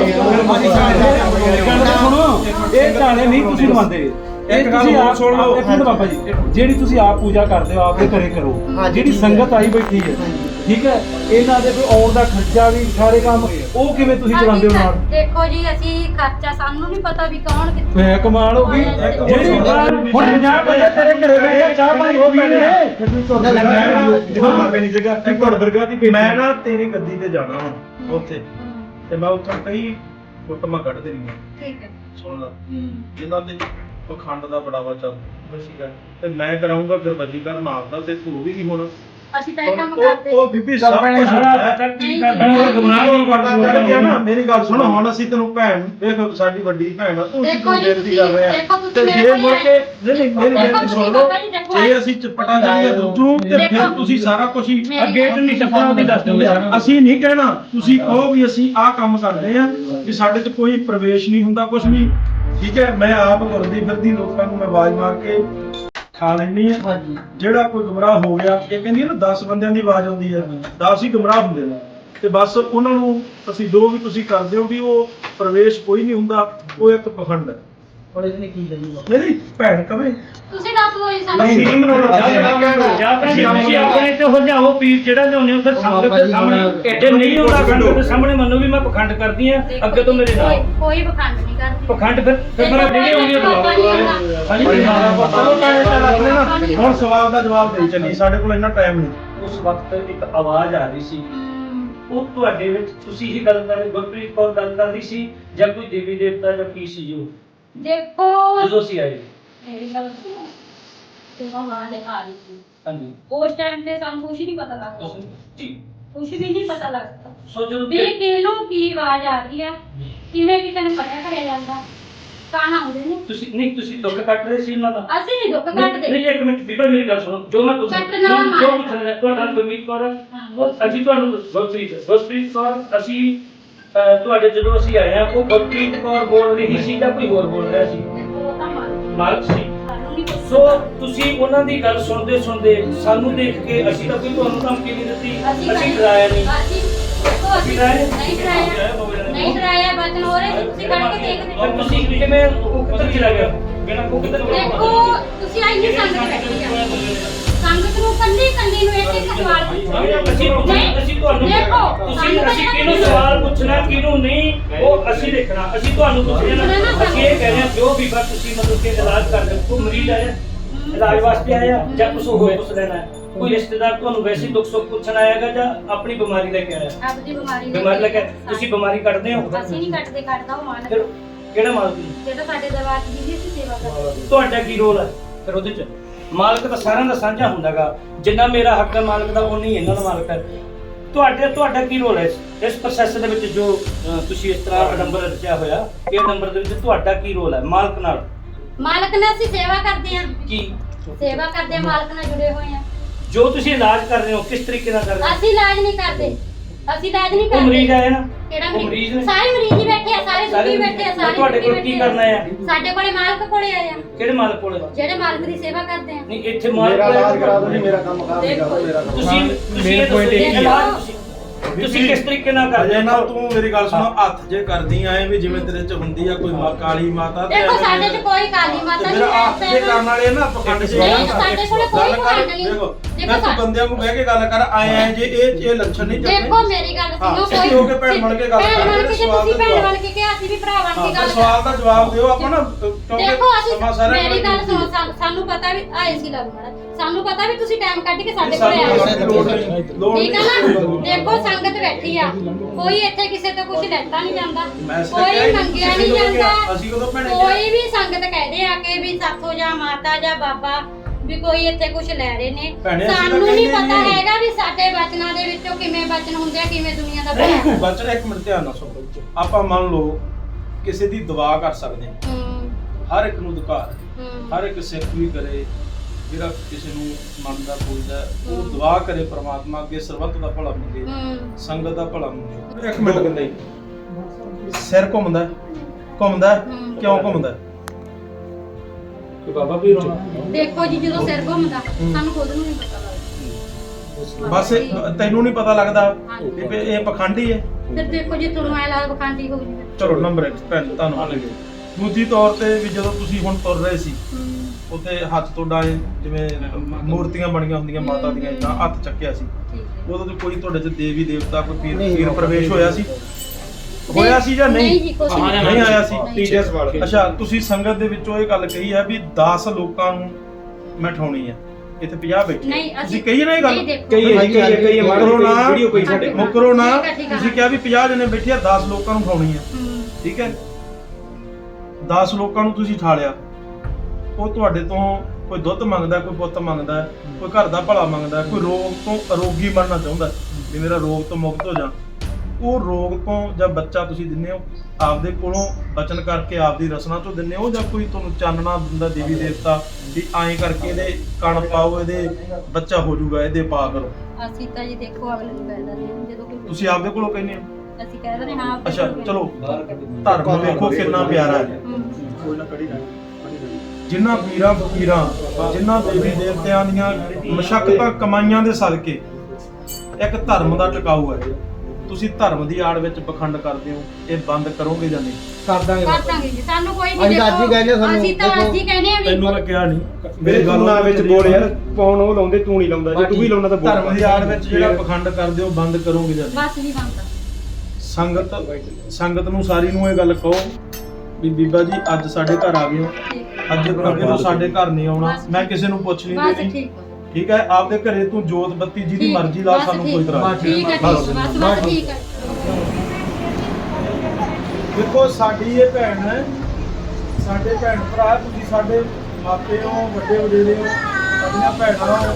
[SPEAKER 7] ਇਹ ਢਾਲੇ ਨਹੀਂ ਤੁਸੀਂ ਲਵਾਉਂਦੇ।
[SPEAKER 1] ਇੱਕ ਗੱਲ ਹੋਰ ਸੁਣ ਲਓ,
[SPEAKER 7] ਇੱਕ ਮਿੰਟ ਬਾਬਾ ਜੀ, ਜਿਹੜੀ ਤੁਸੀਂ ਆਪ ਪੂਜਾ ਕਰਦੇ ਹੋ ਆਪਦੇ ਘਰੇ ਕਰੋ। ਜਿਹੜੀ ਸੰਗਤ ਆਈ ਬੈਠੀ ਹੈ, ਠੀਕ ਹੈ, ਇਹਨਾਂ ਦੇ ਕੋਈ ਆਉਣ ਦਾ ਖਰਚਾ ਵੀ ਸਾਰੇ ਕੰਮ ਉਹ ਕਿਵੇਂ ਤੁਸੀਂ ਚਲਾਉਂਦੇ ਹੋ ਨਾਲ?
[SPEAKER 3] ਦੇਖੋ ਜੀ ਅਸੀਂ ਖਰਚਾ ਸਾਨੂੰ ਨਹੀਂ ਪਤਾ ਵੀ ਕੌਣ ਕਿੱਥੇ
[SPEAKER 7] ਮੈਂ ਕਮਾਲ ਹੋ ਗਈ ਜਿਹੜੀ ਹੁਣ 50 ਬੰਦੇ ਤੇਰੇ ਘਰੇ ਬੈਠੇ ਚਾਹ ਪਾਣੀ ਉਹ ਪੀਣੇ ਨੇ ਜਗ੍ਹਾ ਤੇ ਦਰਗਾਹ ਦੀ
[SPEAKER 1] ਮੈਂ ਨਾ ਤੇਰੀ ਗੱਦੀ ਤੇ ਜਾਣਾ ਹੁਣ ਉੱਥੇ, ਤੇ ਮੈਂ ਉੱਥੋਂ ਕਈ ਫੋਟੋਆਂ ਕੱਢ ਦੇਣੀਆਂ,
[SPEAKER 3] ਠੀਕ ਹੈ।
[SPEAKER 1] ਸੁਣ ਲਾ, ਜਿਨ੍ਹਾਂ ਦੇ ਪਖੰਡ ਦਾ ਬੜਾਵਾ ਚੱਲ ਤੇ ਮੈਂ ਕਰਾਉਂਗਾ ਫਿਰ ਵਜੀਕਰਨ ਆਪਦਾ, ਤੇ ਤੂੰ ਵੀ ਨਹੀਂ ਹੁਣ
[SPEAKER 3] ਅਸੀਂ ਤਾਂ ਇਹ ਕੰਮ ਕਰਦੇ।
[SPEAKER 1] ਉਹ ਬੀਬੀ ਸਭ ਕੁਝ ਮੇਰੀ ਗੱਲ ਸੁਣ, ਹੁਣ ਅਸੀਂ ਤੈਨੂੰ ਭੈਣ ਵੇਖ, ਸਾਡੀ ਵੱਡੀ ਭੈਣ ਆ, ਤੂੰ
[SPEAKER 3] ਦੇਖੋ ਜੀ,
[SPEAKER 1] ਬੇਇੱਜ਼ਤੀ ਕਰ ਰਿਹਾ
[SPEAKER 3] ਦੇਖੋ ਤੁਸੀਂ
[SPEAKER 1] ਤੇ
[SPEAKER 3] ਮੇਰੇ
[SPEAKER 1] ਜੇ
[SPEAKER 3] ਕੋਲ
[SPEAKER 1] ਮੁੜ ਕੇ ਨਹੀਂ ਮੇਰੀ
[SPEAKER 3] ਦੇਖੋ
[SPEAKER 1] ਬੇਇੱਜ਼ਤੀ ਸੁਣ ਲਓ, ਜੇ ਅਸੀਂ ਚਪਟਾ ਜਾਈਏ ਦੂਜੂ ਤੇ ਫਿਰ ਤੁਸੀਂ ਸਾਰਾ ਕੁਝ ਹੀ
[SPEAKER 2] ਅੱਗੇ ਨਹੀਂ ਟੱਪਣਾ ਉਹਦੀ ਦੱਸ ਦਿਓ ਯਾਰ।
[SPEAKER 1] ਅਸੀਂ ਨਹੀਂ ਕਹਿਣਾ, ਤੁਸੀਂ ਕਹੋ ਵੀ ਅਸੀਂ ਆਹ ਕੰਮ ਕਰਦੇ ਆ, ਕਿ ਸਾਡੇ 'ਚ ਕੋਈ ਪ੍ਰਵੇਸ਼ ਨਹੀਂ ਹੁੰਦਾ ਕੁਝ ਵੀ, ਠੀਕ ਹੈ। ਮੈਂ ਆਪ ਵਰਦੀ ਫਿਰਦੀ ਲੋਕਾਂ ਨੂੰ ਮੈਂ ਆਵਾਜ਼ ਮਾਰ ਕੇ ਖਾ ਲੈਣੀ ਆ। ਜਿਹੜਾ ਕੋਈ ਗੁੰਮਰਾਹ ਹੋ ਗਿਆ, ਇਹ ਕਹਿੰਦੀ ਹੈ ਨਾ 10 ਬੰਦਿਆਂ ਦੀ ਆਵਾਜ਼ ਆਉਂਦੀ ਹੈ, 10 ਹੀ ਗੁੰਮਰਾਹ ਹੁੰਦੇ ਨੇ, ਤੇ ਬਸ ਉਹਨਾਂ ਨੂੰ ਅਸੀਂ ਜੋ ਵੀ ਤੁਸੀਂ ਕਰਦੇ ਹੋ ਵੀ ਉਹ ਪ੍ਰਵੇਸ਼ ਕੋਈ ਨਹੀਂ ਹੁੰਦਾ, ਉਹ ਇੱਕ ਪਖੰਡ ਹੈ। ਨਹੀਂ ਭੈਣ ਕਵੇ
[SPEAKER 3] ਤੁਸੀਂ ਦੱਸ ਦਿਓ ਜੀ ਸਾਨੂੰ।
[SPEAKER 1] ਨਹੀਂ
[SPEAKER 2] ਜਾਂ ਤਾਂ ਤੁਸੀਂ ਆਪਣੇ ਤੇ ਹੋ ਜਾਓ ਪੀਰ ਜਿਹੜਾ ਲਿਆਉਂਦੇ ਹੋ ਫਿਰ ਸੰਗਤ ਦੇ ਸਾਹਮਣੇ ਜੇ ਨਹੀਂ ਹੁੰਦਾ ਸੰਗਤ ਦੇ ਸਾਹਮਣੇ ਮੰਨੋ ਵੀ ਮੈਂ ਪਖੰਡ ਕਰਦੀ ਆ, ਅੱਗੇ ਤੋਂ ਮੇਰੇ ਨਾਲ
[SPEAKER 3] ਕੋਈ ਪਖੰਡ ਨਹੀਂ ਕਰਦੀ।
[SPEAKER 2] ਪਖੰਡ ਫਿਰ ਜਿਹੜੇ ਆਉਂਦੇ
[SPEAKER 1] ਹੁਣ ਸਵਾਲ ਦਾ ਜਵਾਬ ਦੇ ਚੱਲੀ, ਸਾਡੇ ਕੋਲ ਇੰਨਾ ਟਾਈਮ ਨਹੀਂ।
[SPEAKER 2] ਉਸ ਵਕਤ ਇੱਕ ਆਵਾਜ਼ ਆ ਰਹੀ ਸੀ, ਉਹ ਤੁਹਾਡੇ ਵਿੱਚ ਤੁਸੀਂ ਹੀ ਗੱਲ ਕਰ ਰਹੇ, ਗੁਰਪ੍ਰੀਤ ਕੌਰ ਗੱਲ ਕਰ ਰਹੀ ਸੀ ਜਾਂ ਕੋਈ ਦੇਵੀ ਦੇਵਤਾ ਜਾਂ ਕੀ ਸੀ ਜੋ
[SPEAKER 3] ਦੇਖੋ
[SPEAKER 2] ਜਦੋਂ ਅਸੀਂ ਆਏ?
[SPEAKER 3] ਮੇਰੀ ਗੱਲ ਸੁਣੋ, ਤੇ ਉਹ ਮਾਂ ਦੇ ਆ ਰਹੀ ਸੀ
[SPEAKER 2] ਹਾਂਜੀ
[SPEAKER 3] ਉਸ ਟਾਈਮ ਤੇ ਸਾਨੂੰ ਕੁਝ ਨਹੀਂ ਪਤਾ ਲੱਗਦਾ,
[SPEAKER 2] ਜੀ।
[SPEAKER 3] ਕੁਝ ਵੀ ਨਹੀਂ ਪਤਾ ਲੱਗਦਾ
[SPEAKER 2] ਸੋ ਜਦੋਂ
[SPEAKER 3] ਵੀ ਕਿਹਨੂੰ ਕੀ ਆਵਾਜ਼ ਆ ਰਹੀ ਆ, ਕਿਵੇਂ ਕਿਸੇ ਨੂੰ ਪਤਾ ਕਰਿਆ ਜਾਂਦਾ, ਕਾਣਾ ਹੁੰਦੇ ਨੇ।
[SPEAKER 2] ਤੁਸੀਂ ਦੁੱਖ ਕੱਟ ਰਹੇ ਸੀ ਇਹਨਾਂ ਦਾ?
[SPEAKER 3] ਅਸੀਂ ਨਹੀਂ ਦੁੱਖ ਕੱਟਦੇ।
[SPEAKER 2] ਨਹੀਂ ਇੱਕ ਮਿੰਟ ਬੀਬਾ ਮੇਰੀ ਗੱਲ ਸੁਣੋ, ਜੋ ਮੈਂ
[SPEAKER 3] ਕੱਟਣਾ
[SPEAKER 2] ਜੋ ਪੁੱਛ ਰਿਹਾ ਤੁਹਾਡਾ ਗੁਰਮੀਤ ਕੌਰ ਹੈ, ਅਸੀਂ ਤੁਹਾਨੂੰ ਗੁਰਪ੍ਰੀਤ ਕੌਰ ਅਸੀਂ ਤੁਹਾਡੇ ਜਦੋਂ ਅਸੀਂ ਆਏ ਆ ਉਹ ਗੁਰਪ੍ਰੀਤ ਕੌਰ ਬੋਲ ਰਹੀ ਸੀ ਜਾਂ ਕੋਈ ਹੋਰ ਬੋਲ ਰਿਹਾ ਸੀ?
[SPEAKER 3] ਉਹ ਤਾਂ
[SPEAKER 2] ਮਾਲਕ ਸੀ।
[SPEAKER 3] ਸਾਨੂੰ ਨਹੀਂ ਪਤਾ।
[SPEAKER 2] ਸੋ ਤੁਸੀਂ ਉਹਨਾਂ ਦੀ ਗੱਲ ਸੁਣਦੇ ਸਾਨੂੰ ਦੇਖ ਕੇ ਅਸੀਂ ਤਾਂ ਕੋਈ ਤੁਹਾਨੂੰ ਧਮਕੀ ਨਹੀਂ ਦਿੱਤੀ, ਅਸੀਂ ਡਰਾਇਆ ਨਹੀਂ।
[SPEAKER 3] ਅਸੀਂ ਨਹੀਂ ਡਰਾਇਆ ਬਚਨ ਹੋ ਰਹੇ ਸੀ, ਤੁਸੀਂ ਖੜ ਕੇ ਦੇਖਦੇ
[SPEAKER 2] ਔਰ ਤੁਸੀਂ ਕਿਵੇਂ ਉਹ ਕਿੱਧਰ ਚਲਾ ਗਿਆ ਬਿਨਾਂ ਉਹ ਕਿੱਧਰ
[SPEAKER 3] ਦੇਖੋ ਤੁਸੀਂ ਆਈ ਨਹੀਂ ਸੰਗਤ ਬੈਠੀ ਆ, ਸੰਗਤ ਨੂੰ ਕੱਲੀ ਨੂੰ ਇੱਕ ਇੱਕ ਸਵਾਲ ਪੁੱਛੋ।
[SPEAKER 2] ਅਸੀਂ ਤੁਹਾਨੂੰ
[SPEAKER 3] ਦੇਖੋ
[SPEAKER 2] ਅਸੀਂ ਕਿਹਨੂੰ ਸਵਾਲ ਪੁੱਛਣਾ ਕਿਹਨੂੰ ਨਹੀਂ ਉਹ ਅਸੀਂ ਦੇਖਣਾ, ਅਸੀਂ ਤੁਹਾਨੂੰ ਪੁੱਛਣਾ ਅਸੀਂ ਇਹ ਕਹਿ ਰਹੇ ਹਾਂ ਜੋ ਵੀ ਬਾਤ ਤੁਸੀਂ ਮਤਲਬ ਕਿ ਇਲਾਜ ਕਰ ਰਹੇ ਹੋ, ਮਰੀਜ਼ ਆਇਆ ਇਲਾਜ ਵਾਸਤੇ ਆਇਆ ਜਾਂ ਕੁਝ ਹੋਰ ਪੁੱਛ ਲੈਣਾ ਹੈ, ਕੋਈ ਰਿਸ਼ਤੇਦਾਰ ਤੁਹਾਨੂੰ ਵੈਸੇ ਦੁੱਖ ਸੁੱਖ ਪੁੱਛਣ ਆਏਗਾ ਜਾਂ ਆਪਣੀ ਬਿਮਾਰੀ ਲੈ ਕੇ ਆਇਆ?
[SPEAKER 3] ਆਪਦੀ ਬਿਮਾਰੀ
[SPEAKER 2] ਲੈ ਕੇ ਤੁਸੀਂ ਬਿਮਾਰੀ ਕੱਢਦੇ ਹੋ?
[SPEAKER 3] ਅਸੀਂ ਨਹੀਂ ਕੱਟਦੇ, ਕੱਟਦਾ ਉਹ ਮਾਲਕ।
[SPEAKER 2] ਫਿਰ ਕਿਹੜਾ ਮਾਲਕ ਜੀ?
[SPEAKER 3] ਜਿਹੜਾ ਸਾਡੇ ਦਰਬਾਰ ਦੀ ਜੀ ਅਸੀਂ ਸੇਵਾ ਕਰਦੇ।
[SPEAKER 2] ਤੁਹਾਡਾ ਕੀ ਰੋਲ ਹੈ ਫਿਰ ਉਹਦੇ ਚ? ਮਾਲਕ ਤਾਂ ਸਾਰਿਆਂ ਦਾ ਸਾਂਝਾ ਹੁੰਦਾਗਾ, ਜਿੰਨਾ ਮੇਰਾ ਹੱਕ ਹੈ ਮਾਲਕ ਦਾ ਉਨਾ ਹੀ ਇਹਨਾਂ ਦਾ ਮਾਲਕ ਹੈ। ਤੁਹਾਡਾ ਕੀ ਰੋਲ ਹੈ ਇਸ ਪ੍ਰੋਸੈਸ ਦੇ ਵਿੱਚ ਜੋ ਤੁਸੀਂ ਇਸ ਤਰ੍ਹਾਂ ਨੰਬਰ ਰਚਿਆ ਹੋਇਆ, ਇਹ ਨੰਬਰ ਦੇ ਵਿੱਚ ਤੁਹਾਡਾ ਕੀ ਰੋਲ ਹੈ ਮਾਲਕ ਨਾਲ?
[SPEAKER 3] ਮਾਲਕ ਨਾਲ ਅਸੀਂ ਸੇਵਾ ਕਰਦੇ ਹਾਂ,
[SPEAKER 2] ਕੀ
[SPEAKER 3] ਸੇਵਾ ਕਰਦੇ ਹਾਂ, ਮਾਲਕ ਨਾਲ ਜੁੜੇ ਹੋਏ ਹਾਂ।
[SPEAKER 2] ਜੋ ਤੁਸੀਂ ਇਲਾਜ ਕਰ ਰਹੇ ਹੋ ਕਿਸ ਤਰੀਕੇ ਨਾਲ ਕਰ ਰਹੇ ਹੋ?
[SPEAKER 3] ਅਸੀਂ ਇਲਾਜ ਨਹੀਂ ਕਰਦੇ, ਅਸੀਂ ਇਲਾਜ ਨਹੀਂ
[SPEAKER 2] ਉਹ
[SPEAKER 3] ਕਰਦੇ।
[SPEAKER 2] ਮਰੀਜ਼ ਆਇਆ ਨਾ,
[SPEAKER 3] ਕਿਹੜਾ
[SPEAKER 2] ਉਹ ਮਰੀਜ਼ ਨੇ?
[SPEAKER 3] ਸਾਰੇ ਮਰੀਜ਼ ਹੀ ਬੈਠੇ ਆ, ਸਾਰੇ
[SPEAKER 2] ਸਾਰੇ
[SPEAKER 3] ਬੈਠੇ ਆ, ਸਾਰੇ
[SPEAKER 2] ਤੁਹਾਡੇ ਕੋਲ
[SPEAKER 3] ਬੈਠੇ
[SPEAKER 2] ਕੀ
[SPEAKER 3] ਆ।
[SPEAKER 2] ਕਰਨਾ ਆ?
[SPEAKER 3] ਸਾਡੇ ਕੋਲੇ ਮਾਲਕ ਕੋਲੇ ਆਏ ਆ,
[SPEAKER 2] ਕਿਹੜੇ ਮਾਲਕ ਕੋਲ?
[SPEAKER 3] ਜਿਹੜੇ ਮਾਲਕ ਦੀ ਸੇਵਾ ਕਰਦੇ ਆ।
[SPEAKER 2] ਨਹੀਂ ਇੱਥੇ ਮਾਲਕ ਕੋਲ
[SPEAKER 1] ਮੇਰਾ ਕੰਮ ਕਰ
[SPEAKER 2] ਤੁਸੀਂ ਇਹ ਦੱਸੋ ਜੀ, ਇਲਾਜ ਤੁਸੀਂ ਕਿਸ ਤਰੀਕੇ ਨਾਲ ਕਰਦੇ
[SPEAKER 1] ਅਜੇ ਨਾ
[SPEAKER 2] ਹੋ?
[SPEAKER 1] ਤੂੰ ਮੇਰੀ ਗੱਲ ਸੁਣ, ਹੱਥ ਜੇ ਕਰਦੀ ਆਏ ਵੀ ਜਿਵੇਂ ਤੇਰੇ ਚ ਹੁੰਦੀ ਆ ਕੋਈ ਕਾਲੀ ਮਾਤਾ ਤੇ
[SPEAKER 3] ਦੇਖੋ
[SPEAKER 1] ਐਵੇਂ
[SPEAKER 3] ਸਾਡੇ ਚ ਕੋਈ ਕਾਲੀ ਮਾਤਾ
[SPEAKER 1] ਮੇਰਾ ਹੱਥ ਜੇ ਕਰਨ
[SPEAKER 3] ਨਹੀਂ
[SPEAKER 1] ਵਾਲੇ ਨਾ ਪਖੰਡ ਜੇ
[SPEAKER 3] ਨਹੀਂ, ਸਾਡੇ ਕੋਲ ਕੋਈ ਪਖੰਡ ਨਹੀਂ।
[SPEAKER 1] ਦੇਖੋ
[SPEAKER 3] ਦੇਖੋ
[SPEAKER 1] ਮੈਂ ਤੂੰ ਬੰਦਿਆਂ ਨੂੰ ਬਹਿ ਕੇ ਗੱਲ ਕਰ ਆਏ ਜੇ ਇਹ ਲੱਛਣ ਨਹੀਂ ਚੱਲਣੇ।
[SPEAKER 3] ਦੇਖੋ ਮੇਰੀ ਗੱਲ ਸੁਣੋ,
[SPEAKER 1] ਹਾਂ, ਸਿੱਧੀ ਹੋ ਕੇ ਭੈਣ ਬਣ ਕੇ ਗੱਲ
[SPEAKER 3] ਭੈਣ
[SPEAKER 1] ਕਰ,
[SPEAKER 3] ਬਣ ਕੇ ਜੇ
[SPEAKER 1] ਸਵਾਲ
[SPEAKER 3] ਤੁਸੀਂ
[SPEAKER 1] ਦਾ
[SPEAKER 3] ਭੈਣ
[SPEAKER 1] ਜਵਾਬ।
[SPEAKER 3] ਬਣ ਕੇ ਕਿਹਾ, ਅਸੀਂ ਵੀ ਭਰਾ ਬਣ ਕੇ ਗੱਲ
[SPEAKER 1] ਸਵਾਲ ਦਾ ਜਵਾਬ ਦਿਓ ਆਪਾਂ ਨਾ, ਕਿਉਂਕਿ
[SPEAKER 3] ਦੇਖੋ ਅਸੀਂ
[SPEAKER 1] ਸਮਾਂ ਸਾਰਾ
[SPEAKER 3] ਮੇਰੀ ਗੱਲ ਸੁਣੋ, ਸਾਨੂੰ ਪਤਾ ਵੀ ਆਏ ਸੀ ਲੱਗਦਾ ਸਾਨੂੰ ਪਤਾ ਵੀ ਤੁਸੀਂ ਟਾਈਮ ਕੱਢ ਕੇ ਸਾਡੇ ਕੋਲ ਆਏ ਹੋ। ਠੀਕ ਹੈ ਨਾ? ਦੇਖੋ ਸੰਗਤ ਬੈਠੀ ਆ, ਕੋਈ ਇੱਥੇ ਕਿਸੇ ਤੋਂ ਕੁਝ ਲੈਤਾ ਨਹੀਂ ਜਾਂਦਾ, ਕੋਈ ਮੰਗਿਆ ਨਹੀਂ ਜਾਂਦਾ।
[SPEAKER 1] ਅਸੀਂ ਉਦੋਂ ਭੈਣੇ
[SPEAKER 3] ਕੋਈ ਵੀ ਸੰਗਤ ਕਹਦੇ ਆ ਕਿ ਵੀ ਸਾਥੋਂ ਜਾਂ ਮਾਤਾ ਜਾਂ ਬਾਬਾ ਵੀ ਕੋਈ ਇੱਥੇ ਕੁਝ ਲੈ ਰਹੇ ਨੇ,
[SPEAKER 1] ਭੈਣੇ, ਅਸੀਂ ਤਾਂ
[SPEAKER 3] ਸਾਨੂੰ ਨਹੀਂ
[SPEAKER 1] ਕਹਿੰਦੇ
[SPEAKER 3] ਪਤਾ
[SPEAKER 1] ਨਹੀਂ।
[SPEAKER 3] ਹੈਗਾ ਵੀ ਸਾਡੇ ਬਚਨਾਂ ਦੇ ਵਿੱਚੋਂ ਕਿਵੇਂ ਬਚਨ ਹੁੰਦੇ ਆ, ਕਿਵੇਂ ਦੁਨੀਆ ਦਾ ਭਲਾ।
[SPEAKER 1] ਬੱਚਾ ਇੱਕ ਮਿੰਟ ਧਿਆਨ ਨਾਲ ਸੁਣੋ। ਆਪਾਂ ਮੰਨ ਲਓ ਕਿਸੇ ਦੀ ਦੁਆ ਕਰ ਸਕਦੇ ਹਾਂ,
[SPEAKER 3] ਹੂੰ
[SPEAKER 1] ਹਰ ਇੱਕ ਨੂੰ ਅਧਿਕਾਰ ਹੈ,
[SPEAKER 3] ਹੂੰ
[SPEAKER 1] ਹਰ ਇੱਕ ਸਿੱਖ ਵੀ ਕਰੇ, ਜਿਹੜਾ ਕਿਸੇ ਨੂੰ ਮੰਨਦਾ ਪੁੱਜਦਾ ਉਹ ਦੁਆ ਕਰੇ ਪ੍ਰਮਾਤਮਾ ਅੱਗੇ ਸਰਬੱਤ ਦਾ ਭਲਾ ਮੰਗੇ, ਸੰਗਤ ਦਾ ਭਲਾ ਮੰਗੇ। ਇੱਕ ਮਿੰਟ ਕਹਿੰਦਾ ਸਿਰ ਘੁੰਮਦਾ ਕਿਉਂ ਘੁੰਮਦਾ?
[SPEAKER 2] ਬਾਬਾ ਵੀ ਰੋਣਾ
[SPEAKER 3] ਦੇਖੋ ਜੀ ਜਦੋਂ ਸਿਰ ਘੁੰਮਦਾ ਸਾਨੂੰ ਖੁਦ ਨੂੰ ਨਹੀਂ ਪਤਾ ਲੱਗਦਾ,
[SPEAKER 1] ਬਸ ਤੈਨੂੰ ਨਹੀਂ ਪਤਾ ਲੱਗਦਾ ਵੀ ਇਹ ਪਖੰਡੀ ਹੈ।
[SPEAKER 3] ਫਿਰ ਦੇਖੋ ਜੀ ਤੁਹਾਨੂੰ ਐ ਲੱਗਦਾ ਬਖਾਂਡੀ ਹੋ ਗਈ।
[SPEAKER 1] ਚਲੋ ਨੰਬਰ 1 ਭੈਣ ਧੰਨਵਾਦ। ਦੂਜੀ ਤੌਰ ਤੇ ਵੀ ਜਦੋਂ ਤੁਸੀਂ ਹੁਣ ਤੁਰ ਰਹੇ ਸੀ ਉੱਥੇ ਹੱਥ ਤੁਹਾਡਾ ਜਿਵੇਂ ਮੂਰਤੀਆਂ ਬਣੀਆਂ ਹੁੰਦੀਆਂ ਮਾਤਾ ਦੀਆਂ, ਇਦਾਂ ਹੱਥ ਚੱਕਿਆ ਸੀ, ਉਦੋਂ ਤੇ ਕੋਈ ਤੁਹਾਡੇ ਚ ਦੇਵੀ ਦੇਵਤਾ ਕੋਈ ਪੀਰ ਪ੍ਰਵੇਸ਼ ਹੋਇਆ ਸੀ? ਹੋਇਆ ਸੀ ਜਾਂ ਨਹੀਂ?
[SPEAKER 3] ਨਹੀਂ ਜੀ ਕੁਛ ਨਹੀਂ।
[SPEAKER 1] ਨਹੀਂ ਆਇਆ ਸੀ।
[SPEAKER 5] ਤੀਜੇ ਸਵਾਲ
[SPEAKER 1] ਅੱਛਾ, ਤੁਸੀਂ ਸੰਗਤ ਦੇ ਵਿੱਚੋਂ ਇਹ ਗੱਲ ਕਹੀ ਹੈ ਵੀ 10 ਲੋਕਾਂ ਨੂੰ ਮੈਂ ਠਾਉਣੀ ਹੈ, ਇੱਥੇ 50 ਬੈਠੇ
[SPEAKER 3] ਨਹੀਂ,
[SPEAKER 1] ਤੁਸੀਂ
[SPEAKER 3] ਅਸੀਂ
[SPEAKER 1] ਕਹੀ ਨਾ ਇਹ ਗੱਲ?
[SPEAKER 3] ਨਹੀਂ, ਦੇਖੋ।
[SPEAKER 5] ਕਈ
[SPEAKER 1] ਮੁਕਰੋ ਨਾ,
[SPEAKER 5] ਵੀਡੀਓ ਪਈ ਸਾਡੇ ਕੋਲ।
[SPEAKER 1] ਮੁਕਰੋ ਨਾ।
[SPEAKER 3] ਠੀਕ ਹੈ, ਠੀਕ ਹੈ।
[SPEAKER 1] ਤੁਸੀਂ ਕਿਹਾ ਵੀ 50 ਜਣੇ ਬੈਠੇ ਆ, 10 ਲੋਕਾਂ ਨੂੰ ਠਾਉਣੀ ਹੈ, ਠੀਕ ਹੈ? 10 ਲੋਕਾਂ ਨੂੰ ਤੁਸੀਂ ਠਾਲਿਆ, ਉਹ ਤੁਹਾਡੇ ਤੋਂ ਕੋਈ ਦੁੱਧ ਮੰਗਦਾ, ਕੋਈ ਪੁੱਤ ਮੰਗਦਾ, ਕੋਈ ਘਰ ਦਾ ਭਲਾ ਮੰਗਦਾ, ਕੋਈ ਰੋਗ ਤੋਂ ਅਰੋਗੀ ਬਣਨਾ ਚਾਹੁੰਦਾ ਵੀ ਮੇਰਾ ਰੋਗ ਤੋਂ ਮੁਕਤ ਹੋ ਜਾ। ਉਹ ਰੋਗ ਤੋਂ ਜਾਂ ਬੱਚਾ ਤੁਸੀਂ ਦਿੰਦੇ ਹੋ ਆਪਦੇ ਕੋਲੋਂ ਬਚਨ ਕਰਕੇ ਆਪਦੀ ਰਸਨਾ ਤੋਂ ਦਿੰਦੇ ਹੋ, ਜਾਂ ਕੋਈ ਤੁਹਾਨੂੰ ਚਾਨਣਾ ਦਿੰਦਾ ਦੇਵੀ ਦੇਵਤਾ ਵੀ ਐਂ ਕਰਕੇ ਇਹਦੇ ਕਣ ਪਾਓ, ਇਹਦੇ ਬੱਚਾ ਹੋ ਜਾਊਗਾ, ਇਹਦੇ ਪਾ ਕਰੋ?
[SPEAKER 3] ਅਸੀਂ ਤਾਂ ਜੀ ਦੇਖੋ ਅਗਲੇ ਨੂੰ ਕਹਿ ਦਿੰਦੇ ਹਾਂ ਜਦੋਂ ਕੋਈ
[SPEAKER 1] ਤੁਸੀਂ ਆਪਦੇ ਕੋਲੋਂ ਕਹਿੰਦੇ ਹੋ?
[SPEAKER 3] ਅਸੀਂ ਕਹਿ ਦਿੰਦੇ ਹਾਂ
[SPEAKER 1] ਅੱਛਾ ਚਲੋ, ਧਰਮ ਵੇਖੋ ਕਿੰਨਾ ਪਿਆਰਾ ਹੈ। ਜਿਨ੍ਹਾਂ ਪੀਰਾਂ ਫਕੀਰਾਂ, ਜਿਨ੍ਹਾਂ ਦੇਵੀ ਦੇਵਤਿਆਂ ਦੀਆਂ ਮਸ਼ੱਕਤਾਂ ਕਮਾਈਆਂ ਦੇ ਸਦਕੇ ਇੱਕ ਧਰਮ ਦਾ ਟਿਕਾਊ ਹੈ। ਤੁਸੀਂ ਧਰਮ ਦੀ ਆੜ ਵਿੱਚ ਪਖੰਡ ਕਰਦੇ ਹੋ, ਇਹ ਬੰਦ ਕਰੋਗੇ ਜਾਂ ਨਹੀਂ?
[SPEAKER 3] ਕਰ ਦਾਂਗੇ ਜੀ, ਸਾਨੂੰ ਕੋਈ ਨਹੀਂ ਦੇਖੋ ਅਸੀਂ ਤਾਂ ਅੱਜ ਹੀ ਕਹਿੰਦੇ ਆ ਵੀ
[SPEAKER 1] ਤੈਨੂੰ ਮੈਂ ਕਿਹਾ ਨਹੀਂ
[SPEAKER 5] ਮੇਰੇ ਗੁਨਾਹ ਵਿੱਚ ਬੋਲ ਯਾਰ, ਪਾਉਣ ਉਹ ਲਾਉਂਦੇ ਤੂੰ ਨਹੀਂ ਲਾਉਂਦਾ, ਜੇ ਤੂੰ ਵੀ ਲਾਉਣਾ ਤਾਂ ਬੋਲ।
[SPEAKER 1] ਧਰਮ ਦੀ ਆੜ ਵਿੱਚ ਜਿਹੜਾ ਪਖੰਡ ਕਰਦੇ ਹੋ ਬੰਦ ਕਰੋਗੇ ਜਾਂ ਨਹੀਂ?
[SPEAKER 3] ਬਸ ਨਹੀਂ ਬੰਦਾ।
[SPEAKER 1] ਸੰਗਤ ਨੂੰ ਸਾਰੀ ਨੂੰ ਇਹ ਗੱਲ ਕਹੋ ਵੀ ਬੀਬਾ ਜੀ ਅੱਜ ਸਾਡੇ ਘਰ ਆ ਗਏ ਹੋ, ਅੱਜ ਅੱਗੇ ਤੋਂ ਸਾਡੇ ਘਰ ਨਹੀਂ ਆਉਣਾ, ਮੈਂ ਕਿਸੇ ਨੂੰ ਪੁੱਛ ਨਹੀਂ
[SPEAKER 3] ਬਸ
[SPEAKER 1] ਦੇਣੀ,
[SPEAKER 3] ਠੀਕ
[SPEAKER 1] ਠੀਕ ਹੈ? ਆਪਦੇ ਘਰੇ ਤੂੰ ਜੋਤ ਬੱਤੀ ਜਿਹਦੀ ਮਰਜ਼ੀ ਲਾ, ਸਾਨੂੰ ਕੋਈ ਇਤਰਾਜ਼ ਨਹੀਂ।
[SPEAKER 3] ਠੀਕ ਹੈ, ਬਸ ਠੀਕ ਹੈ।
[SPEAKER 1] ਦੇਖੋ ਸਾਡੀ ਇਹ ਭੈਣ ਹੈ, ਸਾਡੇ ਭੈਣ ਭਰਾ, ਤੁਸੀਂ ਸਾਡੇ ਮਾਪੇ ਹੋ, ਵੱਡੇ ਵਡੇਰੇ ਹੋ, ਸਾਡੀਆਂ ਭੈਣਾਂ ਹੋ।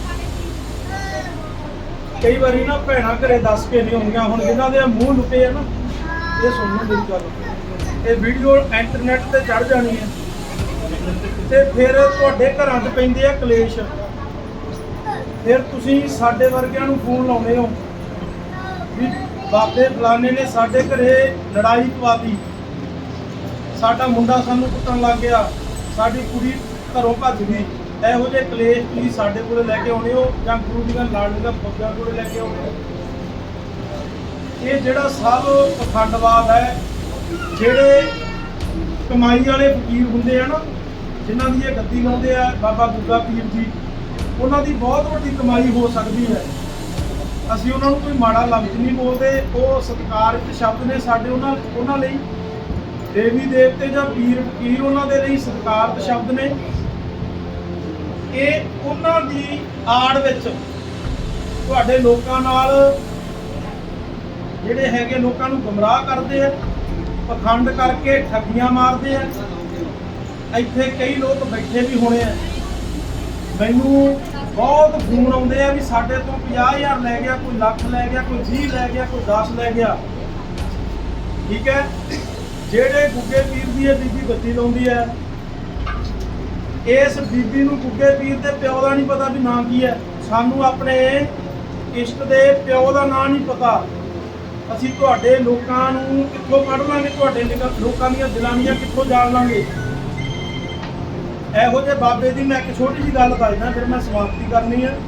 [SPEAKER 1] ਕਈ ਵਾਰੀ ਨਾ ਭੈਣਾਂ ਘਰੇ ਦੱਸ ਕੇ ਨਹੀਂ ਹੁੰਦੀਆਂ, ਹੁਣ ਜਿਨ੍ਹਾਂ ਦੇ ਮੂੰਹ ਲੁਕੇ ਆ ਨਾ, ਇਹ ਸੁਣੋ ਮੇਰੀ ਗੱਲ, ਇਹ ਵੀਡੀਓ ਇੰਟਰਨੈਟ ਤੇ ਚੜ ਜਾਣੀ ਹੈ ਤੇ ਫਿਰ ਤੁਹਾਡੇ ਘਰਾਂ 'ਚ ਪੈਂਦੇ ਆ ਕਲੇਸ਼, ਫਿਰ ਤੁਸੀਂ ਸਾਡੇ ਵਰਗਿਆਂ ਨੂੰ ਫੋਨ ਲਾਉਂਦੇ ਹੋ ਵੀ ਬਾਬੇ ਫਲਾਣੇ ਨੇ ਸਾਡੇ ਘਰੇ ਲੜਾਈ ਪਵਾਤੀ, ਸਾਡਾ ਮੁੰਡਾ ਸਾਨੂੰ ਕੁੱਟਣ ਲੱਗ ਗਿਆ, ਸਾਡੀ ਕੁੜੀ ਘਰੋਂ ਭੱਜ ਗਈ। ਇਹੋ ਜਿਹੇ ਕਲੇਸ਼ ਤੁਸੀਂ ਸਾਡੇ ਕੋਲੇ ਲੈ ਕੇ ਆਉਣੇ ਹੋ ਜਾਂ ਗੁਰੂ ਦੀਆਂ ਲਾੜੀਆਂ ਬੱਗਿਆਂ ਕੋਲੇ ਲੈ ਕੇ ਆਉਣੇ ਹੋ? ਇਹ ਜਿਹੜਾ ਸਭ ਪਖੰਡਵਾਦ ਹੈ, ਜਿਹੜੇ ਕਮਾਈ ਵਾਲੇ ਫਕੀਰ ਹੁੰਦੇ ਆ ਨਾ, ਜਿਨ੍ਹਾਂ ਦੀ ਇਹ ਗੱਦੀ ਲਾਉਂਦੇ ਆ ਬਾਬਾ ਗੁੱਗਾ ਪੀਰ ਜੀ, ਉਹਨਾਂ ਦੀ ਬਹੁਤ ਵੱਡੀ ਕਮਾਈ ਹੋ ਸਕਦੀ ਹੈ। ਅਸੀਂ ਉਹਨਾਂ ਨੂੰ ਕੋਈ ਮਾੜਾ ਲਫ਼ਜ਼ ਨਹੀਂ ਬੋਲਦੇ, ਉਹ ਸਤਿਕਾਰਯੋਗ ਸ਼ਬਦ ਨੇ ਸਾਡੇ ਉਹਨਾਂ ਲਈ। ਦੇਵੀ ਦੇਵਤੇ ਜਾਂ ਪੀਰ ਫਕੀਰ ਉਹਨਾਂ ਦੇ ਲਈ ਸਤਿਕਾਰਯੋਗ ਸ਼ਬਦ ਨੇ। ਇਹ ਉਹਨਾਂ ਦੀ ਆੜ ਵਿੱਚ ਤੁਹਾਡੇ ਲੋਕਾਂ ਨਾਲ ਜਿਹੜੇ ਹੈਗੇ ਲੋਕਾਂ ਨੂੰ ਗੁੰਮਰਾਹ ਕਰਦੇ ਆ, ਪਖੰਡ ਕਰਕੇ ਠੱਗੀਆਂ ਮਾਰਦੇ ਆ। ਇੱਥੇ ਕਈ ਲੋਕ ਬੈਠੇ ਵੀ ਹੋਣੇ ਆ, ਮੈਨੂੰ ਬਹੁਤ ਫੋਨ ਆਉਂਦੇ ਆ ਵੀ ਸਾਡੇ ਤੋਂ 50,000 ਲੈ ਗਿਆ, ਕੋਈ ਲੱਖ ਲੈ ਗਿਆ, ਕੋਈ 20 ਲੈ ਗਿਆ, ਕੋਈ 10 ਲੈ ਗਿਆ, ਠੀਕ ਹੈ? ਜਿਹੜੇ ਗੁੱਗੇ ਪੀਰ ਦੀ ਇਹ ਬੀਬੀ ਗੱਦੀ ਲਾਉਂਦੀ ਹੈ, ਇਸ ਬੀਬੀ ਨੂੰ ਗੁੱਗੇ ਪੀਰ ਦੇ ਪਿਓ ਦਾ ਨਹੀਂ ਪਤਾ ਵੀ ਨਾਂ ਕੀ ਹੈ। ਸਾਨੂੰ ਆਪਣੇ ਇਸ਼ਟ ਦੇ ਪਿਓ ਦਾ ਨਾਂ ਨਹੀਂ ਪਤਾ, ਅਸੀਂ ਤੁਹਾਡੇ ਲੋਕਾਂ ਨੂੰ ਕਿੱਥੋਂ ਪੜ੍ਹ ਲਾਂਗੇ, ਤੁਹਾਡੇ ਲੋਕਾਂ ਦੀਆਂ ਦਿਲਾਨੀਆਂ ਕਿੱਥੋਂ ਜਾਣ ਲਾਂਗੇ। ਇਹੋ ਜਿਹੇ ਬਾਬੇ ਦੀ ਮੈਂ ਇੱਕ ਛੋਟੀ ਜਿਹੀ ਗੱਲ ਦੱਸਦਾ, ਫਿਰ ਮੈਂ ਸਮਾਪਤੀ ਕਰਨੀ ਆ।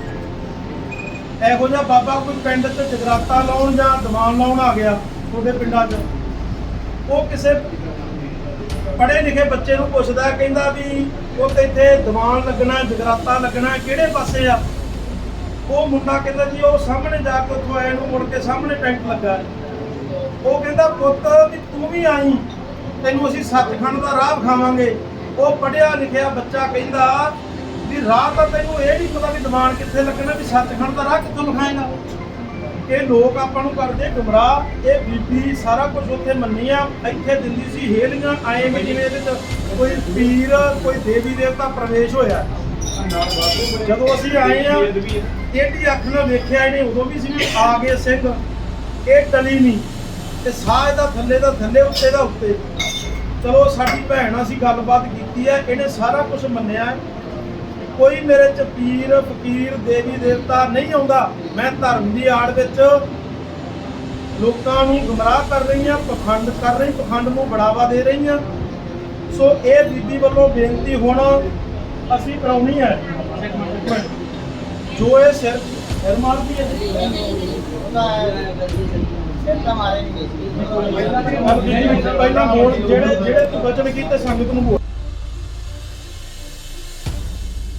[SPEAKER 1] ਇਹੋ ਜਿਹਾ ਬਾਬਾ ਕੋਈ ਪਿੰਡ 'ਚ ਜਗਰਾਤਾ ਲਾਉਣ ਜਾਂ ਦੀਵਾਨ ਲਾਉਣ ਆ ਗਿਆ ਤੁਹਾਡੇ ਪਿੰਡਾਂ 'ਚ, ਉਹ ਕਿਸੇ ਪੜ੍ਹੇ ਲਿਖੇ ਬੱਚੇ ਨੂੰ ਪੁੱਛਦਾ, ਕਹਿੰਦਾ ਵੀ ਉਹ ਤੇ ਇੱਥੇ ਦੀਵਾਨ ਲੱਗਣਾ, ਜਗਰਾਤਾ ਲੱਗਣਾ, ਕਿਹੜੇ ਪਾਸੇ ਆ? ਉਹ ਮੁੰਡਾ ਕਹਿੰਦਾ ਜੀ ਉਹ ਸਾਹਮਣੇ ਜਾ ਕੇ ਉੱਥੋਂ ਆਏ ਨੂੰ ਮੁੜ ਕੇ ਸਾਹਮਣੇ ਟੈਂਟ ਲੱਗਾ। ਉਹ ਕਹਿੰਦਾ ਪੁੱਤ ਵੀ ਤੂੰ ਵੀ ਆਈ, ਤੈਨੂੰ ਅਸੀਂ ਸੱਚਖੰਡ ਦਾ ਰਾਹ ਵਿਖਾਵਾਂਗੇ। ਉਹ ਪੜ੍ਹਿਆ ਲਿਖਿਆ ਬੱਚਾ ਕਹਿੰਦਾ ਵੀ ਰਾਹ ਤਾਂ ਤੈਨੂੰ ਇਹ ਨਹੀਂ ਪਤਾ ਵੀ ਦੀਵਾਨ ਕਿੱਥੇ ਲੱਗਣਾ, ਵੀ ਸੱਚਖੰਡ ਦਾ ਰਾਹ ਕਿੱਥੋਂ ਵਿਖਾਏਗਾ? ਇਹ ਲੋਕ ਆਪਾਂ ਨੂੰ ਕਰਦੇ ਗੁੰਮਰਾਹ। ਇਹ ਬੀਬੀ ਸਾਰਾ ਕੁਝ ਉੱਥੇ ਮੰਨੀ ਆ, ਇੱਥੇ ਦਿੰਦੀ ਸੀ ਹੇਲੀਆਂ ਆਏ ਵੀ ਜਿਵੇਂ ਇਹਦੇ 'ਚ ਕੋਈ ਪੀਰ ਕੋਈ ਦੇਵੀ ਦੇਵਤਾ ਪ੍ਰਵੇਸ਼ ਹੋਇਆ। ਜਦੋਂ ਅਸੀਂ ਆਏ ਆ ਇਹਦੀ ਅੱਖ ਨਾਲ ਵੇਖਿਆ ਇਹਨੇ, ਉਦੋਂ ਵੀ ਸੀ ਆ ਗਏ ਸਿੰਘ। ਇਹ ਟਲੀ ਨਹੀਂ, ਤੇ ਸਾਹ ਇਹਦਾ ਥੱਲੇ ਦਾ ਥੱਲੇ, ਉੱਤੇ ਦਾ ਉੱਤੇ। ਚਲੋ ਸਾਡੀ ਭੈਣ ਅਸੀਂ ਗੱਲਬਾਤ ਕੀਤੀ ਹੈ, ਇਹਨੇ ਸਾਰਾ ਕੁਝ ਮੰਨਿਆ। ਕੋਈ ਮੇਰੇ 'ਚ ਪੀਰ ਫਕੀਰ ਦੇਵੀ ਦੇਵਤਾ ਨਹੀਂ ਆਉਂਦਾ। ਮੈਂ ਧਰਮ ਦੀ ਆੜ ਵਿੱਚ ਲੋਕਾਂ ਨੂੰ ਗੁੰਮਰਾਹ ਕਰ ਰਹੀ ਹਾਂ, ਪਖੰਡ ਕਰ ਰਹੀ, ਪਖੰਡ ਨੂੰ ਬੜਾਵਾ ਦੇ ਰਹੀ ਹਾਂ। ਸੋ ਇਹ ਬੀਬੀ ਵੱਲੋਂ ਬੇਨਤੀ ਹੁਣ ਅਸੀਂ ਕਰਾਉਣੀ ਹੈ, ਜੋ ਇਹ ਸਿਰ ਮਾਰਦੀ ਹੈ ਪਹਿਲਾਂ ਬੋਲ, ਜਿਹੜੇ ਤੂੰ ਬਚਨ ਕੀਤੇ ਸੰਗਤ ਨੂੰ ਬੋਲ।